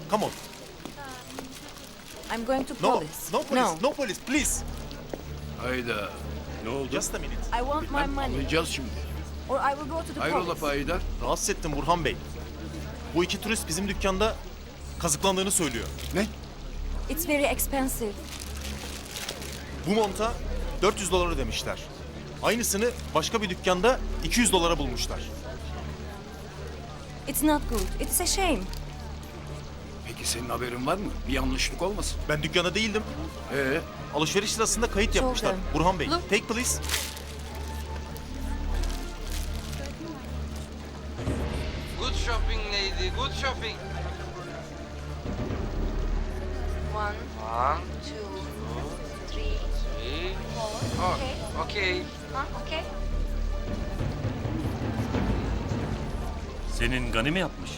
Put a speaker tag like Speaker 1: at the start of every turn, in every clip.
Speaker 1: Come on.
Speaker 2: I'm going to
Speaker 1: No,
Speaker 2: police.
Speaker 1: no police, no police, please.
Speaker 3: Hayda. Ne oldu?
Speaker 1: Just a minute.
Speaker 2: I want my money,
Speaker 3: Anlayacağız şimdi.
Speaker 2: or I will go to the
Speaker 3: Hayrola
Speaker 2: police.
Speaker 3: Payidar?
Speaker 1: Rahatsız ettim Burhan Bey. Bu iki turist bizim dükkanda kazıklandığını söylüyor.
Speaker 3: Ne?
Speaker 2: It's very expensive.
Speaker 1: Bu monta 400 dolar ödemişler. Aynısını başka bir dükkanda 200 dolara bulmuşlar.
Speaker 2: It's not good. It's a shame.
Speaker 3: Peki senin haberin var mı? Bir yanlışlık olmasın?
Speaker 1: Ben dükkanda değildim. Alışveriş sırasında kayıt
Speaker 2: Çok
Speaker 1: yapmışlar.
Speaker 2: güzel.
Speaker 1: Burhan Bey,
Speaker 2: Look.
Speaker 1: take please.
Speaker 4: Good shopping lady, good shopping.
Speaker 2: 1, 2, 3, 4.
Speaker 4: Oh,
Speaker 2: Okay.
Speaker 4: okay.
Speaker 2: Okay.
Speaker 5: Senin Gani mi yapmış?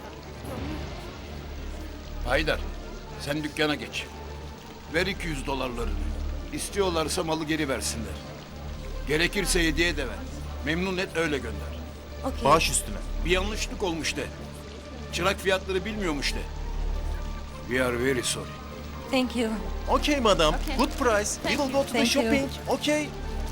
Speaker 3: Haydar, sen dükkana geç. Ver 200 dolarlarını. İstiyorlarsa malı geri versinler. Gerekirse hediye de ver. Memnun et öyle gönder.
Speaker 2: Okay.
Speaker 1: Bağış üstüne.
Speaker 3: Bir yanlışlık olmuş de. Çırak fiyatları bilmiyormuş de. We are very sorry.
Speaker 2: Thank you.
Speaker 1: Okay madam, good price. We will go to the
Speaker 2: Thank you.
Speaker 1: shopping. Okay.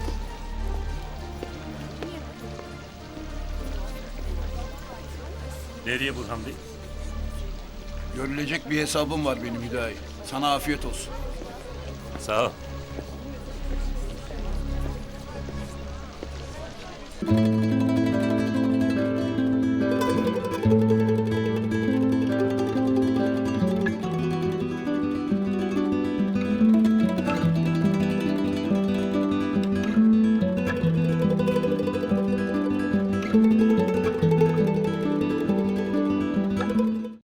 Speaker 5: Nereye Burhan Bey?
Speaker 3: Görülecek bir hesabım var benim Hüdayi. Sana afiyet olsun.
Speaker 5: Sağ ol.